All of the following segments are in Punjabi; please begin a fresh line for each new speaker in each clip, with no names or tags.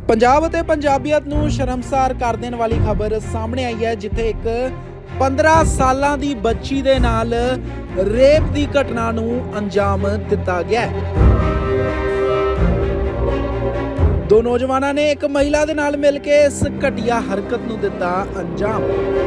ਪੰਜਾਬ ਅਤੇ ਪੰਜਾਬੀਅਤ ਨੂੰ ਸ਼ਰਮਸਾਰ ਕਰ ਦੇਣ ਵਾਲੀ ਖਬਰ ਸਾਹਮਣੇ ਆਈ ਹੈ, ਜਿੱਥੇ ਇੱਕ 15 ਸਾਲਾਂ ਦੀ ਬੱਚੀ ਦੇ ਨਾਲ ਰੇਪ ਦੀ ਘਟਨਾ ਨੂੰ ਅੰਜਾਮ ਦਿੱਤਾ ਗਿਆ ਹੈ। ਦੋ ਨੌਜਵਾਨਾਂ ਨੇ ਇੱਕ ਮਹਿਲਾ ਦੇ ਨਾਲ ਮਿਲ ਕੇ ਇਸ ਘਟੀਆ ਹਰਕਤ ਨੂੰ ਦਿੱਤਾ ਅੰਜਾਮ।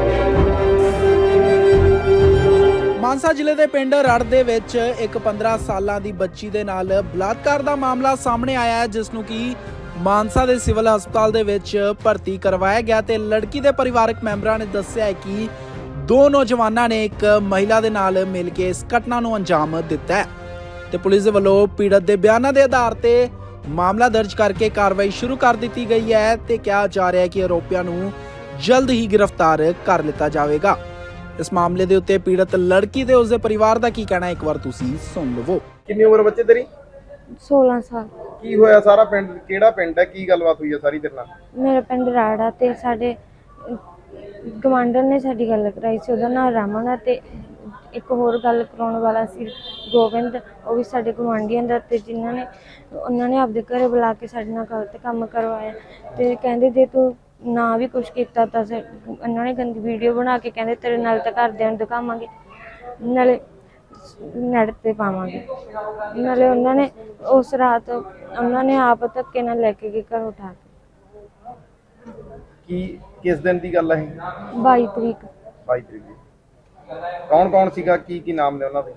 ਮਾਨਸਾ ਜ਼ਿਲ੍ਹੇ ਦੇ ਪਿੰਡ ਰੜ ਦੇ ਵਿੱਚ ਇੱਕ 15 ਸਾਲਾਂ ਦੀ ਬੱਚੀ ਦੇ ਨਾਲ ਬਲਾਤਕਾਰ ਦਾ ਮਾਮਲਾ ਸਾਹਮਣੇ ਆਇਆ ਹੈ, ਜਿਸ ਨੂੰ ਕਿ ਮਾਨਸਾ ਦੇ ਸਿਵਲ ਹਸਪਤਾਲ ਦੇ ਵਿੱਚ ਭਰਤੀ ਕਰਵਾਇਆ ਗਿਆ ਤੇ ਲੜਕੀ ਦੇ ਪਰਿਵਾਰਕ ਮੈਂਬਰਾਂ ਨੇ ਦੱਸਿਆ ਹੈ ਕਿ ਦੋ ਨੌਜਵਾਨਾਂ ਨੇ ਇੱਕ ਮਹਿਲਾ ਦੇ ਨਾਲ ਮਿਲ ਕੇ ਇਸ ਘਟਨਾ ਨੂੰ ਅੰਜਾਮ ਦਿੱਤਾ ਹੈ ਤੇ ਪੁਲਿਸ ਦੇ ਵੱਲੋਂ ਪੀੜਤ ਦੇ ਬਿਆਨਾਂ ਦੇ ਆਧਾਰ ਤੇ ਮਾਮਲਾ ਦਰਜ ਕਰਕੇ ਕਾਰਵਾਈ ਸ਼ੁਰੂ ਕਰ ਦਿੱਤੀ ਗਈ ਹੈ ਤੇ ਕਿਹਾ ਜਾ ਰਿਹਾ ਹੈ ਕਿ ਆਰੋਪੀਆਂ ਨੂੰ ਜਲਦ ਹੀ ਗ੍ਰਿਫਤਾਰ ਕਰ ਲਿੱਤਾ ਜਾਵੇਗਾ। ਇਸ ਮਾਮਲੇ ਦੇ ਉੱਤੇ ਪੀੜਤ ਲੜਕੀ ਤੇ ਉਸਦੇ ਪਰਿਵਾਰ ਦਾ ਕੀ ਕਹਿਣਾ ਹੈ, ਇੱਕ ਵਾਰ ਤੁਸੀਂ ਸੁਣ ਲਵੋ।
ਕਿੰਨੀ ਉਮਰ ਬੱਚੇ ਤੇਰੀ?
16 ਸਾਲ।
ਕੀ ਹੋਇਆ? ਸਾਰਾ ਪਿੰਡ ਕਿਹੜਾ ਪਿੰਡ ਹੈ? ਕੀ ਗੱਲਬਾਤ ਹੋਈ ਹੈ ਸਾਰੀ ਤੇਰੇ ਨਾਲ?
ਮੇਰਾ ਪਿੰਡ ਰਾੜਾ ਤੇ ਸਾਡੇ ਗਵਾਂਢਣ ਨੇ ਸਾਡੀ ਗੱਲ ਕਰਾਈ ਸੀ, ਉਹਦਾ ਨਾਮ ਰਮਨ ਹੈ ਤੇ ਇੱਕ ਹੋਰ ਗੱਲ ਕਰਾਉਣ ਵਾਲਾ ਸੀ ਗੋਬਿੰਦ, ਉਹ ਵੀ ਸਾਡੇ ਗਵਾਂਢੀਆਂ ਦਾ, ਤੇ ਉਹਨਾਂ ਨੇ ਆਪਦੇ ਘਰੇ ਬੁਲਾ ਕੇ ਸਾਡੇ ਨਾਲ ਗਲਤ ਕੰਮ ਕਰਵਾਇਆ ਤੇ ਕਹਿੰਦੇ ਜੇ ਤੂੰ ਨਾ ਵੀ ਕੁਛ ਕੀਤਾ ਤਾਂ ਉਹਨਾਂ ਨੇ ਗੰਦੀ ਵੀਡੀਓ ਬਣਾ ਕੇ ਕਹਿੰਦੇ ਤੇਰੇ ਨਾਲ ਤਾਂ ਘਰਦਿਆਂ ਨੂੰ ਦਿਖਾਵਾਂਗੇ, ਨਾਲੇ ਨੈਟ ਤੇ ਪਾਵਾਂਗੇ। ਨਾਲੇ ਉਹਨਾਂ ਨੇ ਉਸ ਰਾਤ ਉਹਨਾਂ ਨੇ ਆਪ ਧੱਕੇ ਨਾਲ ਲੈ ਕੇ ਗਏ ਘਰੋਂ ਉਠਾ ਕੇ।
ਕਿਸ ਦਿਨ ਦੀ ਗੱਲ ਹੈ?
22 ਤਰੀਕ।
22 ਤਰੀਕ ਦੀ। ਕੌਣ ਸੀਗਾ? ਕੀ ਨਾਮ ਨੇ ਉਹਨਾਂ ਦੇ?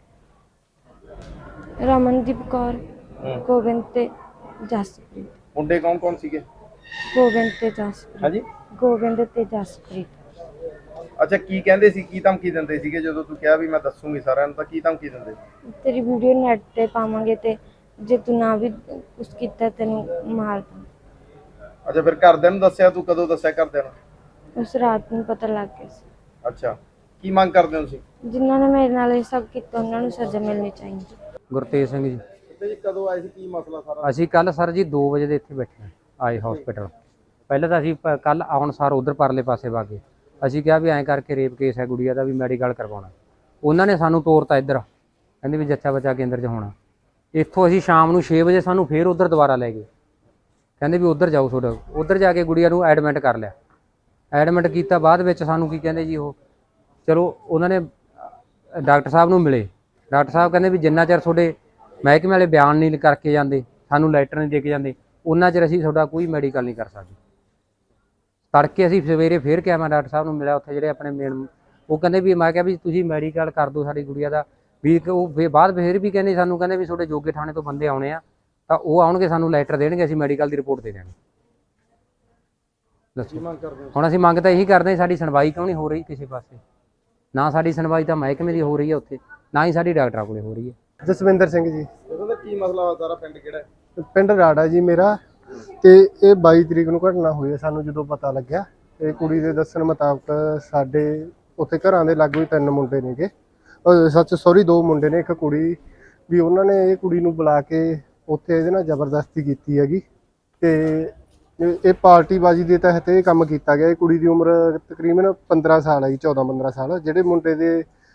ਰਮਨਦੀਪ ਕੌਰ, ਗੋਬਿੰਦ ਤੇ ਜਸਪ੍ਰੀਤ।
ਮੁੰਡੇ ਕੌਣ ਸੀਗੇ?
ਗੋਬਿੰਦ ਤੇ ਜਸਪ੍ਰੀਤ।
ਹਾਂਜੀ,
ਗੋਬਿੰਦ ਤੇ ਜਸਪ੍ਰੀਤ।
ਅੱਛਾ, ਕੀ ਕਹਿੰਦੇ ਸੀ? ਕੀ ਧਮਕੀ ਦਿੰਦੇ ਸੀਗੇ ਜਦੋਂ ਤੂੰ ਕਿਹਾ ਵੀ ਮੈਂ ਦੱਸੂਗੀ ਸਾਰਿਆਂ ਨੂੰ? ਤਾਂ ਕੀ ਧਮਕੀ ਦਿੰਦੇ?
ਤੇਰੀ ਵੀਡੀਓ ਨੈਟ ਤੇ ਪਾਵਾਂਗੇ ਤੇ ਜੇ ਤੂੰ ਨਾ ਵੀ ਕੁਛ ਕੀਤਾ ਤੈਨੂੰ ਮਾਰ ਦਾਂ।
ਅੱਛਾ, ਫਿਰ ਘਰਦਿਆਂ ਨੂੰ ਦੱਸਿਆ? ਤੂੰ ਕਦੋਂ ਦੱਸਿਆ ਘਰਦਿਆਂ ਨੂੰ?
ਉਸ ਰਾਤ ਨੂੰ ਪਤਾ ਲੱਗ ਗਿਆ ਸੀ।
ਅੱਛਾ, ਕੀ ਮੰਗ ਕਰਦੇ ਹੋ ਤੁਸੀਂ?
ਜਿਨ੍ਹਾਂ ਨੇ ਮੇਰੇ ਨਾਲ ਇਹ ਸਭ ਕੀਤਾ ਉਹਨਾਂ ਨੂੰ ਸਜ਼ਾ ਮਿਲਣੀ ਚਾਹੀਦੀ।
ਗੁਰਤੇਜ ਸਿੰਘ ਜੀ।
ਤੇ ਕਦੋਂ ਆਏ ਸੀ? ਕੀ ਮਸਲਾ ਸਾਰਾ?
ਅਸੀਂ ਕੱਲ ਸਰ ਜੀ 2 ਵਜੇ ਦੇ ਇੱਥੇ ਬੈਠੇ ਆਏ ਹਸਪੀਟਲ। ਪਹਿਲਾਂ ਤਾਂ ਅਸੀਂ ਕੱਲ ਆਉਣ ਸਾਰ ਉਧਰ ਪਰਲੇ ਪਾਸੇ ਵਾਗੇ, ਅਸੀਂ ਕਿਹਾ ਵੀ ਐਂ ਕਰਕੇ ਰੇਪ ਕੇਸ ਹੈ ਗੁੜੀਆ ਦਾ, ਵੀ ਮੈਡੀਕਲ ਕਰਵਾਉਣਾ। ਉਹਨਾਂ ਨੇ ਸਾਨੂੰ ਤੋਰਤਾ ਇੱਧਰ, ਕਹਿੰਦੇ ਵੀ ਜੱਚਾ ਬੱਚਾ ਕੇਂਦਰ 'ਚ ਹੋਣਾ। ਇੱਥੋਂ ਅਸੀਂ ਸ਼ਾਮ ਨੂੰ 6 ਵਜੇ ਸਾਨੂੰ ਫੇਰ ਉੱਧਰ ਦੁਬਾਰਾ ਲੈ ਗਏ, ਕਹਿੰਦੇ ਵੀ ਉੱਧਰ ਜਾਓ ਤੁਹਾਡਾ। ਉੱਧਰ ਜਾ ਕੇ ਗੁੜੀਆ ਨੂੰ ਐਡਮਿਟ ਕਰ ਲਿਆ। ਐਡਮਿਟ ਕੀਤਾ, ਬਾਅਦ ਵਿੱਚ ਸਾਨੂੰ ਕੀ ਕਹਿੰਦੇ ਜੀ, ਉਹ ਚਲੋ ਉਹਨਾਂ ਨੇ ਡਾਕਟਰ ਸਾਹਿਬ ਨੂੰ ਮਿਲੇ। ਡਾਕਟਰ ਸਾਹਿਬ ਕਹਿੰਦੇ ਵੀ ਜਿੰਨਾ ਚਿਰ ਤੁਹਾਡੇ ਮਹਿਕਮੇ ਵਾਲੇ ਬਿਆਨ ਨਹੀਂ ਕਰਕੇ ਜਾਂਦੇ, ਸਾਨੂੰ ਲੈਟਰ ਨਹੀਂ ਦੇ ਕੇ ਜਾਂਦੇ, ਉਹਨਾਂ ਚਿਰ ਅਸੀਂ ਤੁਹਾਡਾ ਕੋਈ ਮੈਡੀਕਲ ਨਹੀਂ ਕਰ ਸਕਦੇ। ਤੜਕੇ ਅਸੀਂ ਸਵੇਰੇ ਫੇਰ ਕਿਹਾ, ਮੈਂ ਡਾਕਟਰ ਸਾਹਿਬ ਨੂੰ ਮਿਲਿਆ ਉੱਥੇ ਜਿਹੜੇ ਆਪਣੇ ਮੇਨ, ਉਹ ਕਹਿੰਦੇ ਵੀ ਮੈਂ ਕਿਹਾ ਵੀ ਤੁਸੀਂ ਮੈਡੀਕਲ ਕਰ ਦਿਓ ਸਾਡੀ ਗੁੜੀਆ ਦਾ, ਵੀ ਉਹ ਬਾਅਦ ਫਿਰ ਵੀ ਕਹਿੰਦੇ ਸਾਨੂੰ, ਕਹਿੰਦੇ ਵੀ ਤੁਹਾਡੇ ਜੋਗੇ ਥਾਣੇ ਤੋਂ ਬੰਦੇ ਆਉਣੇ ਆ, ਤਾਂ ਉਹ ਆਉਣਗੇ ਸਾਨੂੰ ਲੈਟਰ ਦੇਣਗੇ, ਅਸੀਂ ਮੈਡੀਕਲ ਦੀ ਰਿਪੋਰਟ ਦੇ ਦੇਣੀ। ਦੱਸੋ ਹੁਣ ਅਸੀਂ ਮੰਗ ਤਾਂ ਇਹੀ ਕਰਦੇ ਹਾਂ, ਸਾਡੀ ਸੁਣਵਾਈ ਕਿਉਂ ਨਹੀਂ ਹੋ ਰਹੀ ਕਿਸੇ ਪਾਸੇ? ਨਾ ਸਾਡੀ ਸੁਣਵਾਈ ਤਾਂ ਮਹਿਕਮੇ ਦੀ ਹੋ ਰਹੀ ਹੈ ਉੱਥੇ, ਨਾ ਹੀ ਸਾਡੀ ਡਾਕਟਰਾਂ ਕੋਲੇ ਹੋ ਰਹੀ ਹੈ।
ਜਸਵਿੰਦਰ ਸਿੰਘ ਜੀ।
ਉਹਦਾ ਕੀ ਮਸਲਾ ਹੋਇਆ? ਸਾਰਾ ਪਿੰਡ ਕਿਹੜਾ ਹੈ?
ਪਿੰਡ ਰਾੜਾ ਜੀ ਮੇਰਾ। ਤੇ ਇਹ 22 ਤਰੀਕ ਨੂੰ ਘਟਨਾ ਹੋਈ ਹੈ। ਸਾਨੂੰ ਜਦੋਂ ਪਤਾ ਲੱਗਿਆ, ਇਹ ਕੁੜੀ ਦੇ ਦੱਸਣ ਮੁਤਾਬਕ ਸਾਡੇ ਉੱਥੇ ਘਰਾਂ ਦੇ ਲਾਗੂ ਹੀ 3 ਮੁੰਡੇ ਨੇਗੇ, ਸੌਰੀ 2 ਮੁੰਡੇ ਨੇ, ਇੱਕ ਕੁੜੀ ਵੀ। ਉਹਨਾਂ ਨੇ ਇਹ ਕੁੜੀ ਨੂੰ ਬੁਲਾ ਕੇ ਉੱਥੇ ਇਹਦੇ ਨਾਲ ਜ਼ਬਰਦਸਤੀ ਕੀਤੀ ਹੈਗੀ ਤੇ ਇਹ ਪਾਰਟੀਬਾਜ਼ੀ ਦੇ ਤਹਿਤ ਇਹ ਕੰਮ ਕੀਤਾ ਗਿਆ। ਇਹ ਕੁੜੀ ਦੀ ਉਮਰ ਤਕਰੀਬਨ 15 ਸਾਲ ਹੈ ਜੀ, 14-15 ਸਾਲ। ਜਿਹੜੇ ਮੁੰਡੇ ਦੇ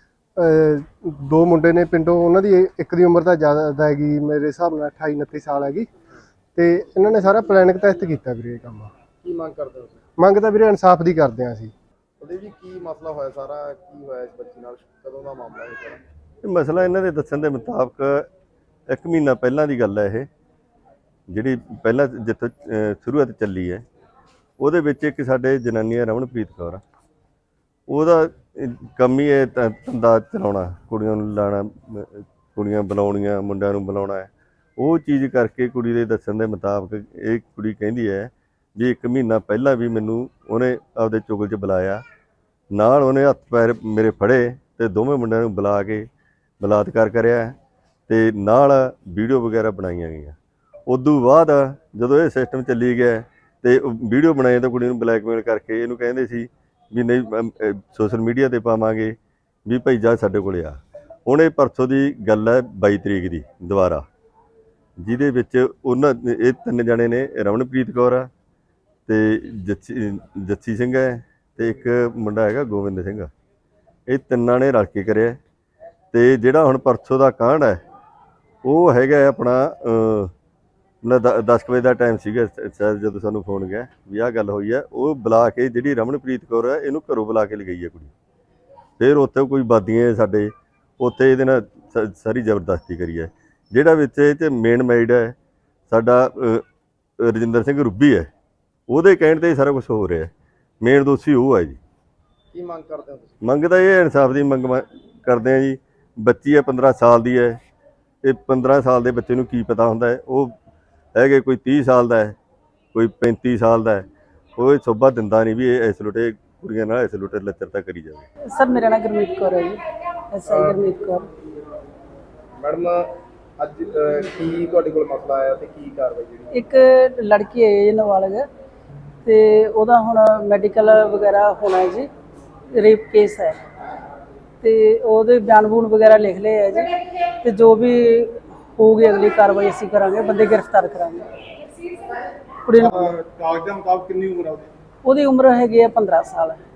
2 ਮੁੰਡੇ ਨੇ ਪਿੰਡੋਂ, ਉਹਨਾਂ ਦੀ ਇੱਕ ਦੀ ਉਮਰ ਤਾਂ ਜ਼ਿਆਦਾ ਹੈਗੀ, ਮੇਰੇ ਹਿਸਾਬ ਨਾਲ 28-29 ਸਾਲ ਹੈਗੀ। ਤੇ ਇਹਨਾਂ ਨੇ ਸਾਰਾ ਪਲੈਨਿੰਗ ਤਹਿਤ ਕੀਤਾ ਵੀਰੇ ਇਹ ਕੰਮ।
ਕੀ ਮੰਗ ਕਰਦੇ ਹੋ?
ਮੰਗ ਤਾਂ ਵੀਰੇ ਇਨਸਾਫ ਦੀ ਕਰਦੇ ਹਾਂ ਅਸੀਂ।
ਉਹਦੇ ਵੀ ਕੀ ਮਸਲਾ ਹੋਇਆ ਸਾਰਾ? ਕੀ ਹੋਇਆ ਇਸ ਬੱਚੀ ਨਾਲ? ਕਦੋਂ ਦਾ ਮਾਮਲਾ ਹੈ ਸਾਰਾ?
ਇਹ ਮਸਲਾ ਇਹਨਾਂ ਦੇ ਦੱਸਣ ਦੇ ਮੁਤਾਬਕ 1 ਮਹੀਨਾ ਪਹਿਲਾਂ ਦੀ ਗੱਲ ਹੈ। ਇਹ ਜਿਹੜੀ ਪਹਿਲਾਂ ਜਿੱਥੋਂ ਸ਼ੁਰੂਆਤ ਚੱਲੀ ਹੈ, ਉਹਦੇ ਵਿੱਚ ਇੱਕ ਸਾਡੇ ਜਨਾਨੀ ਹੈ ਰਮਨਪ੍ਰੀਤ ਕੌਰ, ਉਹਦਾ ਕੰਮ ਹੀ ਇਹ ਧੰਦਾ ਚਲਾਉਣਾ, ਕੁੜੀਆਂ ਨੂੰ ਲਾਉਣਾ, ਕੁੜੀਆਂ ਬੁਲਾਉਣੀਆਂ, ਮੁੰਡਿਆਂ ਨੂੰ ਬੁਲਾਉਣਾ ਹੈ। ਉਹ ਚੀਜ਼ ਕਰਕੇ ਕੁੜੀ ਦੇ ਦੱਸਣ ਦੇ ਮੁਤਾਬਕ ਇਹ ਕੁੜੀ ਕਹਿੰਦੀ ਹੈ ਵੀ 1 ਮਹੀਨਾ ਪਹਿਲਾਂ ਵੀ ਮੈਨੂੰ ਉਹਨੇ ਆਪਦੇ ਚੁਗਲ 'ਚ ਬੁਲਾਇਆ, ਨਾਲ ਉਹਨੇ ਹੱਥ ਪੈਰ ਮੇਰੇ ਫੜੇ ਤੇ ਦੋਵੇਂ ਮੁੰਡਿਆਂ ਨੂੰ ਬੁਲਾ ਕੇ ਬਲਾਤਕਾਰ ਕਰਿਆ ਤੇ ਨਾਲ ਵੀਡੀਓ ਵਗੈਰਾ ਬਣਾਈਆਂ ਗਈਆਂ। ਉਦੋਂ ਬਾਅਦ ਜਦੋਂ ਇਹ ਸਿਸਟਮ ਚੱਲੀ ਗਿਆ ਤੇ ਵੀਡੀਓ ਬਣਾਏ ਤਾਂ ਕੁੜੀ ਨੂੰ ਬਲੈਕਮੇਲ ਕਰਕੇ ਇਹਨੂੰ ਕਹਿੰਦੇ ਸੀ ਵੀ ਨਹੀਂ ਸੋਸ਼ਲ ਮੀਡੀਆ 'ਤੇ ਪਾਵਾਂਗੇ, ਵੀ ਭਾਈ ਜਾ ਸਾਡੇ ਕੋਲ ਆ। ਹੁਣ ਇਹ ਪਰਸੋਂ ਦੀ ਗੱਲ ਹੈ 22 ਤਰੀਕ ਦੀ ਦੁਬਾਰਾ, ਜਿਹਦੇ ਵਿੱਚ ਉਹਨਾਂ ਇਹ 3 ਜਣੇ ਨੇ, ਰਮਨਪ੍ਰੀਤ ਕੌਰ ਆ ਤੇ ਜੱਸੀ ਸਿੰਘ ਹੈ ਤੇ ਇੱਕ ਮੁੰਡਾ ਹੈਗਾ ਗੋਬਿੰਦ ਸਿੰਘ। ਇਹ ਤਿੰਨਾਂ ਨੇ ਰਲ ਕੇ ਕਰਿਆ। ਤੇ ਜਿਹੜਾ ਹੁਣ ਪਰਸੋਂ ਦਾ ਕਾਂਡ ਹੈ ਉਹ ਹੈਗਾ ਆਪਣਾ ਮਤਲਬ 10 ਵਜੇ ਦਾ ਟਾਈਮ ਸੀਗਾ ਸ਼ਾਇਦ ਜਦੋਂ ਸਾਨੂੰ ਫੋਨ ਗਿਆ ਵੀ ਆਹ ਗੱਲ ਹੋਈ ਹੈ। ਉਹ ਬੁਲਾ ਕੇ ਜਿਹੜੀ ਰਮਨਪ੍ਰੀਤ ਕੌਰ ਹੈ ਇਹਨੂੰ ਘਰੋਂ ਬੁਲਾ ਕੇ ਲਗਾਈ ਹੈ ਕੁੜੀ। ਫਿਰ ਉੱਥੇ ਕੋਈ ਬਾਦੀਆਂ ਸਾਡੇ ਉੱਥੇ ਇਹਦੇ ਨਾਲ ਸਾਰੀ ਜ਼ਬਰਦਸਤੀ ਕਰੀ ਹੈ। ਜਿਹੜਾ ਵਿੱਚ ਇਹ 'ਚ ਮੇਨ ਮੈਰਿਡ ਹੈ ਸਾਡਾ ਰਜਿੰਦਰ ਸਿੰਘ ਰੁੱਬੀ ਹੈ, ਉਹਦੇ ਕਹਿਣ 'ਤੇ ਹੀ ਸਾਰਾ ਕੁਝ ਹੋ ਰਿਹਾ। ਮੇਨ ਦੋਸ਼ੀ ਉਹ ਹੈ ਜੀ।
ਕੀ ਮੰਗ ਕਰਦੇ ਹੋ ਤੁਸੀਂ?
ਮੰਗ ਤਾਂ ਇਹ ਇਨਸਾਫ ਦੀ ਮੰਗ ਕਰਦੇ ਆ ਜੀ। ਬੱਚੀ ਹੈ 15 ਸਾਲ ਦੀ ਹੈ। ਇਹ 15 ਸਾਲ ਦੇ ਬੱਚੇ ਨੂੰ ਕੀ ਪਤਾ ਹੁੰਦਾ ਹੈ। ਉਹ ਹੈਗੇ ਕੋਈ 30 ਸਾਲ ਦਾ ਹੈ, ਕੋਈ 35 ਸਾਲ ਦਾ ਹੈ। ਉਹ ਸੋਭਾ ਦਿੰਦਾ ਨਹੀਂ ਵੀ ਇਹ ਇਸ ਲੁੱਟੇ ਕੁੜੀਆਂ ਨਾਲ ਇਸ ਲੁੱਟੇ ਲੱਚਰਤਾ ਕਰੀ ਜਾਵੇ।
ਸਰ ਮੇਰਾ ਨਾਮ ਗੁਰਮੀਤ ਕੌਰ ਹੈ ਜੀ, ਐਸਆਈ ਗੁਰਮੀਤ ਕੌਰ।
ਮੈਡਮ ਅੱਜ ਕੀ ਤੁਹਾਡੇ ਕੋਲ ਮਸਲਾ ਆਇਆ ਤੇ ਕੀ ਕਾਰਵਾਈ ਜਿਹੜੀ?
ਇੱਕ ਲੜਕੀ ਹੈ ਜੀ ਨਾਬਾਲਗ, ਤੇ ਉਹਦਾ ਹੁਣ ਮੈਡੀਕਲ ਵਗੈਰਾ ਹੋਣਾ ਹੈ ਜੀ, ਰੇਪ ਕੇਸ ਹੈ ਤੇ ਉਹਦੇ ਬਿਆਨ ਬੂਨ ਵਗੈਰਾ ਲਿਖ ਲਏ ਹੈ ਜੀ, ਤੇ ਜੋ ਵੀ ਹੋਊਗੀ ਅਗਲੀ ਕਾਰਵਾਈ ਅਸੀਂ ਕਰਾਂਗੇ, ਬੰਦੇ ਗ੍ਰਿਫਤਾਰ ਕਰਾਂਗੇ। ਕੁੜੀ ਨੂੰ
ਕਾਗਜ਼ਾਂ ਮੁਤਾਬਕ ਕਿੰਨੀ ਉਮਰ ਆ ਉਹਦੀ?
ਉਹਦੀ ਉਮਰ ਹੈਗੀ ਹੈ 15 ਸਾਲ।